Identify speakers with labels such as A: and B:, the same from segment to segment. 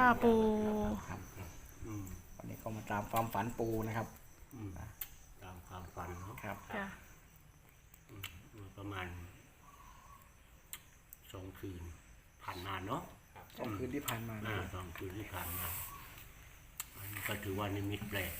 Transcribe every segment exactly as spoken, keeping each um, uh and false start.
A: ปู
B: ครับวันนี้ก็มาตามความฝันปูนะครับ
C: ตามความฝันเนาะ
B: ครับ
C: ประมาณสองคืนผ่านมาเนาะ
B: สองคืนที่ผ่านมา
C: สองคืนที่ผ่านมาก็ถือว่านิมิตแปลก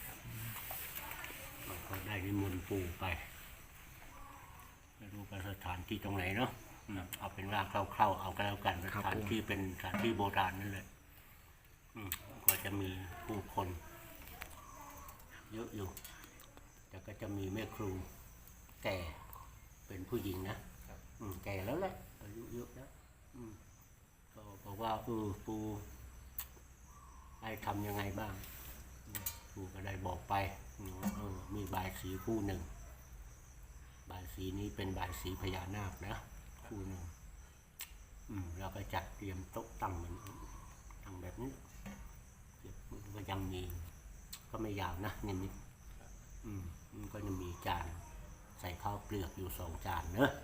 C: เราก็ได้นิมนต์ปู่ไปไม่รู้ว่าสถานที่ตรงไหนเนาะเอาเป็นร่างเข้าๆเอาก็แล้วกันสถานที่เป็นสถานที่โบราณนั่นแหละก็จะมีผู้คนเยอะอยู่แต่ก็จะมีแม่ครูแก่เป็นผู้หญิงนะแก่แล้วแหละอายุเยอะแล้วก็บอกว่าเออปู่ให้ทำยังไงบ้างปู่ก็ได้บอกไปเออมีบายสีคู่หนึ่งบายสีนี้เป็นบายสีพญานาคนะคู่หนึ่งแล้วก็จัดเตรียมโต๊ะตั้งเหมือนตั้งแบบนี้ก็ยังมีก็ไม่ยาวนะนิดนิดมันก็จะมีจานใส่ข้าวเปลือกอยู่สองจานเนอะ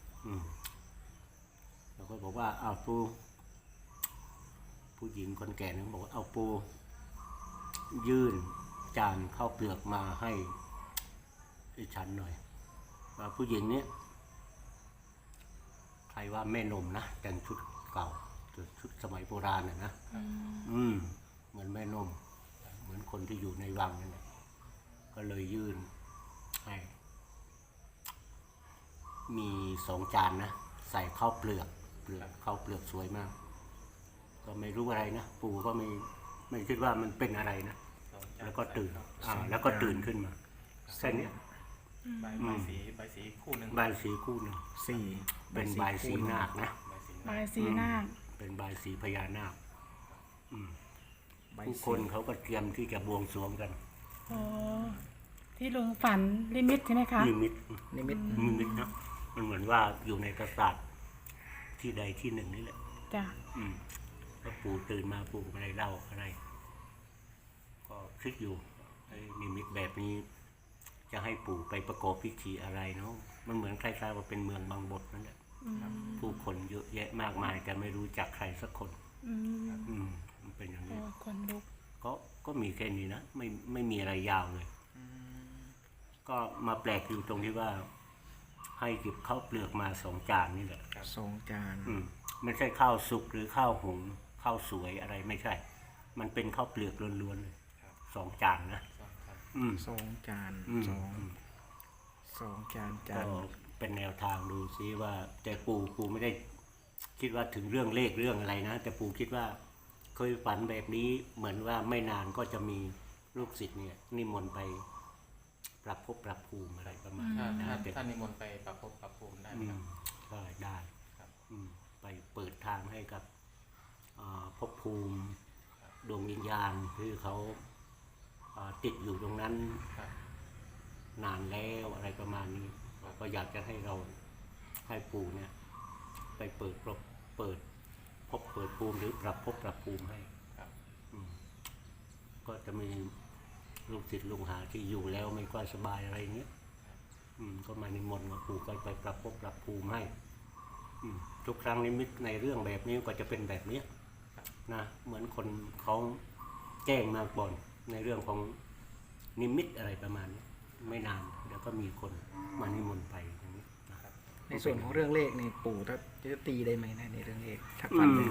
C: เราก็บอกว่าเอาปูผู้หญิงคนแก่นึงบอกว่าเอาปูยื่นจานข้าวเปลือกมาให้ให้ฉันหน่อยว่าผู้หญิงเนี้ยใครว่าแม่นมนะแต่งชุดเก่าชุดสมัยโบราณน่ะนะอืมเหมือนแม่นมเหมือนคนที่อยู่ในวังนั่นแหละก็เลยยื่นให้มีสองจานนะใส่ข้าวเปลือกเปลือกข้าวเปลือกสวยมากก็ไม่รู้อะไรนะปู่ก็ไม่ไม่คิดว่ามันเป็นอะไรนะแล้วก็ตื่นอ่าแล้วก็ตื่นขึ้นมาแค่นี้
D: ใบสีใบสีคู่หนึ่ง
C: ใบสีคู่หนึ่ง
B: สี่
C: เป็นใบสีนาคนะ
A: ใบสีนาค
C: เป็นใบสีพญานาคผู้คนเขาก็เตรียมที่จะบวงสรวงกัน
A: อ๋อที่ลุงฝันลิมิตใช่ไหมคะ
C: นิมิต
B: นิมิต
C: นิมิตนะมันเหมือนว่าอยู่ในปราสาทที่ใดที่หนึ่งนี่แหละ
A: จ้ะ
C: ก็ปู่ตื่นมาปู่ไม่ได้เล่าอะไรก็คิดอยู่ไอ้นิมิตแบบนี้จะให้ปู่ไปประกอบพิธีอะไรเนาะมันเหมือนคล้ายๆว่าเป็นเมืองบางบทนั่นแหละผู้คนเยอะแยะมากมายแต่ไม่รู้จักใครสักคนอืมมันเป็นอย่างนี้
A: คนลุก
C: ก็ก็มีแค่นี้นะไม่ไม่มีอะไรยาวเลยก็มาแปลกอยู่ตรงที่ว่าให้เก็บข้าวเปลือกมาสองจานนี่แหละ
B: สองจาน
C: อืมไม่ใช่ข้าวสุกหรือข้าวหุงข้าวสวยอะไรไม่ใช่มันเป็นข้าวเปลือกล้วนๆเลยสองจานนะ
B: สองจานสองสองจานจาน
C: ก็เป็นแนวทางดูซิว่าแต่ปู่ปู่ไม่ได้คิดว่าถึงเรื่องเลขเรื่องอะไรนะแต่ปู่คิดว่าเคยฝันแบบนี้เหมือนว่าไม่นานก็จะมีลูกศิษย์เนี่ยนิมนต์ไปปรับภพปรับภูมิอะไรประมาณ
D: นั้นถ้านิมนต์ไปปรับภพปรับภูมิได้ไหมครับ
C: ก็ได้ไปเปิดทางให้กับภพภูมิดวงวิญญาณที่เขาติดอยู่ตรงนั้นนานแล้วอะไรประมาณนี้ก็อยากจะให้เราให้ปู่เนี่ยไปเปิดเปิดพบเปิดภูมิหรือปรับพบปรับภูมิให้ก็จะมีลูกศิษย์ลูกหาที่อยู่แล้วไม่ค่อยสบายอะไรเงี้ยก็มานิมนต์มาปู่ก็ไปปรับพบปรับภูมิให้ทุกครั้งนิมิตในเรื่องแบบนี้ก็จะเป็นแบบนี้นะเหมือนคนเขาแจ้งมาก่อนในเรื่องของนิมิตอะไรประมาณนี้ไม่นานเดี๋ยวก็มีคนมานิมนต์ไปอย่างนี้นะครับ
B: ในส่วนของเรื่องเลขในปู่ถ้าจะตีได้ไหมนะในเรื่องเลขถ้าฟันเลย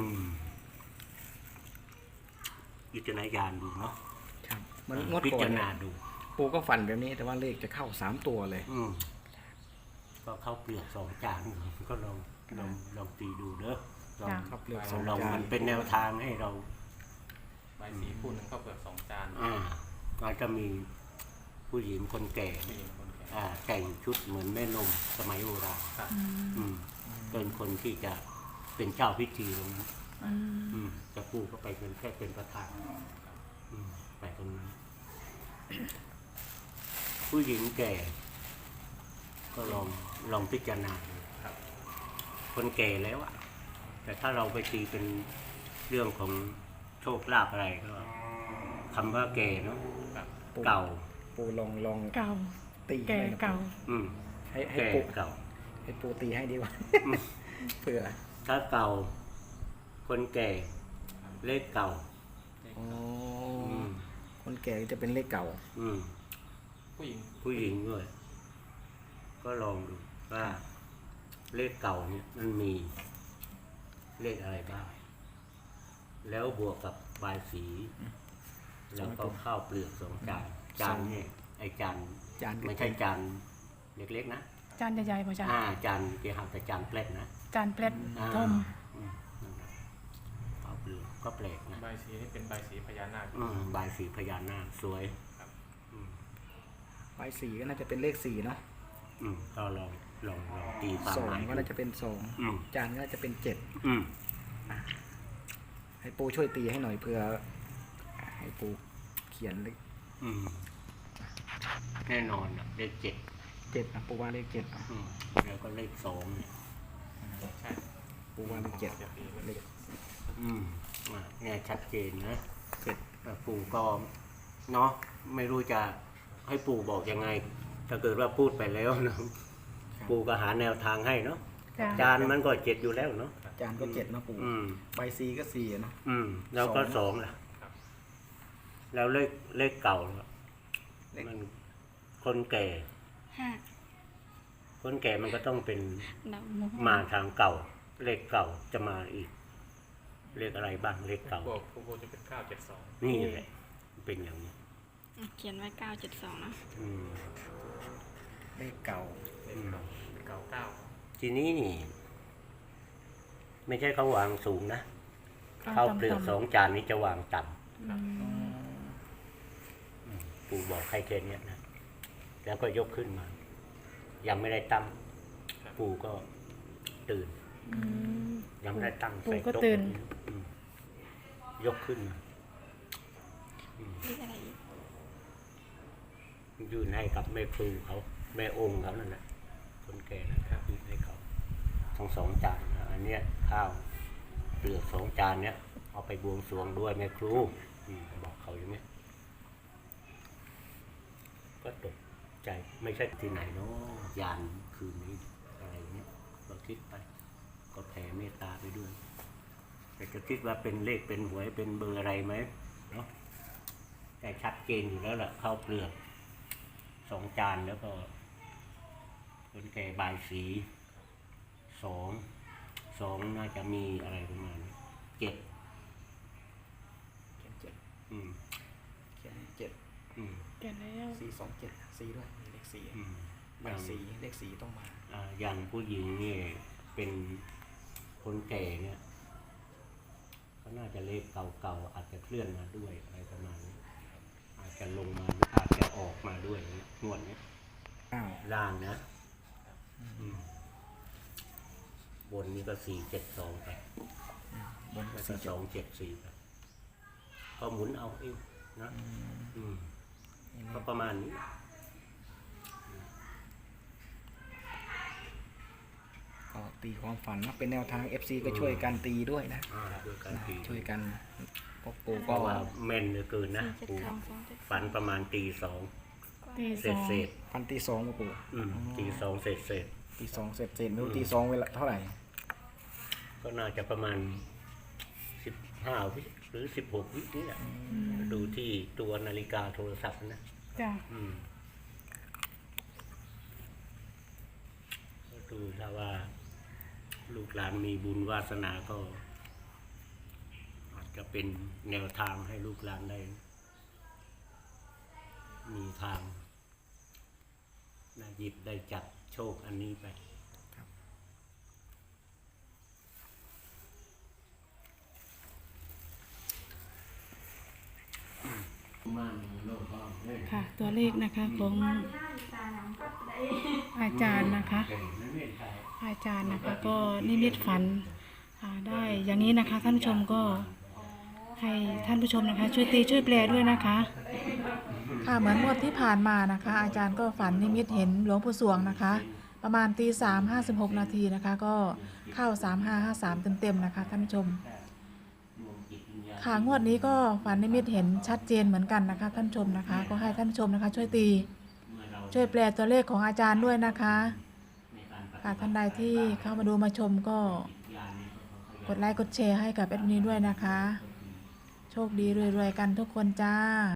C: พิจารณาญาณดูเนาะ
B: ครับมันงด
C: ก่อนพิจารณาดู
B: ปู่ก็ฝันแบบนี้แต่ว่าเลขจะเข้าสามตัวเลย
C: ก็เข้าเปลือกสองจานก็ลองลองลองตีดูเด้อลอง
B: เข้าเปลือกสอง
C: จานมันเป็นแนวทางให้เรา
D: ใบสีคู่หนึ่งเข้าเปลือกสองจาน
C: อ่าก็จะมีผู้หญิงคนแก่อ่าแต่งชุดเหมือนแม่นมสมัยโบราณเป็นคนที่จะเป็นเจ้าพิธีตรงนั้นจะปู่ก็ไปเป็นแค่เป็นประธานไปตรงนั้นผู้หญิงแก่ก็ลองลองพิจารณาคนแก่แล้วอะแต่ถ้าเราไปตีเป็นเรื่องของโชคลาภอะไรก็คำว่าแก่เนาะเก่า
B: ปูลองลอง
A: เก่า
B: ตี
A: แก่เก่า
B: ให้ให้ปูเก่าให้ปูตีให้ดีกว่าเผื่อ
C: ถ้าเก่าคนแก่เลขเก่า
B: อ๋อ
C: อืม
B: คนแก่ก็จะเป็นเลขเก่า
C: อืม
D: ผู้หญิง
C: ผู้หญิงด้วย ก็ลองดูว่า เลขเก่าเนี่ยมันมีเลขอะไรบ้าง แล้วบวกกับบายสี แล้วก็ข้าวเปลือกสองจาน จานเนี่ยไอจาน
B: จาน
C: ไม่ใช่จานเล็กๆนะ
A: จานใหญ่ๆป่ะจ๊ะ
C: อ่าจานเกี่ยวกับแต่จานแปลกนะ
A: จานเปล็ด
C: อ่า
A: ทม
C: อืมนั่นแหละข้าวเปลือกก็แปลกนะ
D: ใบายสีนี่เป็นใบายสีพญานาค
C: อืมบายสีพญานาคสวย
D: ครับ
C: อืม
B: ใบสีก็น่าจะเป็นเลขสี่เนาะ
C: อืมก็ลองลองลองตีความ
B: สอ
C: ห
B: ง
C: มาย
B: ก็น่าจะเป็นสอง
C: อืม
B: จานก็น่าจะเป็นเจ็ด
C: อืม
B: ให้ปูช่วยตีให้หน่อยเพื่อให้ปูเขียนเลข
C: อืมแน่นอนนะเลขเจ็ด
B: เจ็ดนะปูว่าเลขเจ็ดอ่ะ
C: อืมแล้วก็เลขสองเนี่ย
D: ใช่
B: ปูว่าเลขเจ็ด
D: จะตี
B: เลข
C: อืมอ่ะเนี่ยชัดเจนนะ
B: เจ็ด
C: แต่ปู่ก็เนาะไม่รู้จะให้ปู่บอกยังไง ถ้าเกิดว่าพูดไปแล้วนะปู่ก็หาแนวทางให้เนาะ
A: จ้ะ
C: จานมันก็เจ็ดอยู่แล้วเนาะ
B: จานก็เจ็ดเนาะปู
C: อืม
B: ใบสีก็สี่อะเนาะ
C: อืม แล้วก็
B: ส
C: ส
B: อ
C: อง งล่ะ แล้วเลขเลขเก่าล่ะ
B: เลข
C: มันคนแก่
E: ห้า
C: คนแก่มันก็ต้องเป็น
E: ดอกมุก
C: มาทางเก่า เลขเก่าจะมาอีก เลขอะไรบ้างเลขเก่า
D: บวกผู้โบจะเป็นเก้าเจ็ดสอง
C: นี่แหละเป็นอย่างนี้
E: เขียนไว้เก้าเจ็ดสองนะ
C: อืม
B: เลขเก่า
D: เลขเก่าเก่าเก้า
C: ทีนี้นี่ ไม่ใช่เขาวางสูงนะข้าวเปลือกสองจานนี้จะวางต่ำ
A: อืม
C: ปู่บอกให้แค่เนี้ยนะแล้วก็ยกขึ้นมา ยังไม่ได้ตั้งปู่ก็ตื่น
A: อืม
C: ยังไม่ได้ตั้ง
A: ปู่
C: ใส่
A: ก็
C: โต๊ะ
A: ตื่น
C: อืมยกขึ้นมา
E: เลขอะไรอีก
C: ยื่นให้กับแม่ครูเขาแม่องค์เขานั่นแหละคนแก่นะครับยื่นให้เขาทั้งสองจานนะอันเนี้ยข้าวเปลือกสองจานเนี้ยเอาไปบวงสรวงด้วยแม่ครูอืมบอกเขาอย่างเนี้ยก็ตกใจไม่ใช่ที่ไหนเนาะยานคืนนี้อะไรเนี้ยเราคิดไป ก็แผ่เมตตาไปด้วย แต่จะคิดว่าเป็นเลขเป็นหวยเป็นเบอร์อะไรไหมเนาะแต่ชัดเจนอยู่แล้วล่ะข้าวเปลือกสองจานแล้วก็คนแก่บายสีสองสองน่าจะมีอะไรประมาณนี้เจ็ด
B: เขียนเจ็ด
C: อืม
B: เขียนเจ็ด
C: อืม
A: เขียนแล้ว
B: สี่สองเจ็ดสี่ด้วยมีเลขสี่
C: อืม
B: ใบสีเลขสี่ต้องมา
C: อ่าอย่างผู้หญิงนี่เป็นคนแก่เนี่ยก็น่าจะเลขเก่าๆอาจจะเคลื่อนมาด้วยอะไรประมาณนี้อาจจะลงมาอาจจะออกมาด้วยงวดเนี้ย
B: อ้าว
C: ล่างนะอืมบนนี้ก็สี่เจ็ดสองไป
B: บนก็
C: แล้วก็
B: สี่
C: ส
B: เจ็ด
C: องเจ็ดสี่ไปก็หมุนเอาเองนะอืมก็ประมาณนี้
B: ก็ตีความฝันนะเป็นแนวทาง เอฟ ซี ก็ช่วยกันตีด้วยนะ
C: อ่าด้วยการตี
B: ช่วยกันพวกปู
C: เพ
B: ก็
C: ราะว่าแม่นเหลือเกินนะ
E: สี่เจ็ด
C: ปู
E: สองสองเจ็ด
C: ฝันประมาณตีสอง
A: ตี
C: เศ
A: สอ
C: ษ
A: ง
C: เศษ
B: ฟันตีสองมาปู
C: อืมตีสองเศษเศษ
B: ตีสองเสร็จเสร็จไม่รู้ตีสองเวลาเท่าไหร่
C: ก็น่าจะประมาณสิบห้าวิหรือสิบหกวินี่แหละดูที่ตัวนาฬิกาโทรศัพท์นะ
A: จ้ะ
C: อืมก็ดูถ้าว่า ลูกหลานมีบุญวาสนาก็ อาจจะเป็นแนวทางให้ลูกหลานได้ มีทางได้หยิบได้จับโชคอันนี้ไปมาโลกบ้างเลย
A: ค่ะ ตัวเลขนะคะของอาจารย์นะคะ อาจารย์นะคะ ก็นิมิตฝันอ่าได้อย่างนี้นะคะ ท่านผู้ชมก็ให้ท่านผู้ชมนะคะ ช่วยตีช่วยแปลด้วยนะคะ ค่ะเหมือนงวดที่ผ่านมานะคะ อาจารย์ก็ฝันนิมิตเห็นหลวงปู่สวงนะคะ ประมาณตีสามห้าสิบหกนาทีนะคะ ก็เข้าสามห้าห้าสามเต็มๆนะคะ ท่านผู้ชมค่ะงวดนี้ก็ฝันนิมิตเห็นชัดเจนเหมือนกันนะคะ ท่านผู้ชมนะคะ ก็ให้ท่านผู้ชมนะคะ ช่วยตีช่วยแปลตัวเลขของอาจารย์ด้วยนะคะค่ะท่านใดที่เข้ามาดูมาชมก็กดไลค์กดแชร์ให้กับแอดมินด้วยนะคะโชคดีรวยๆกันทุกคนจ้า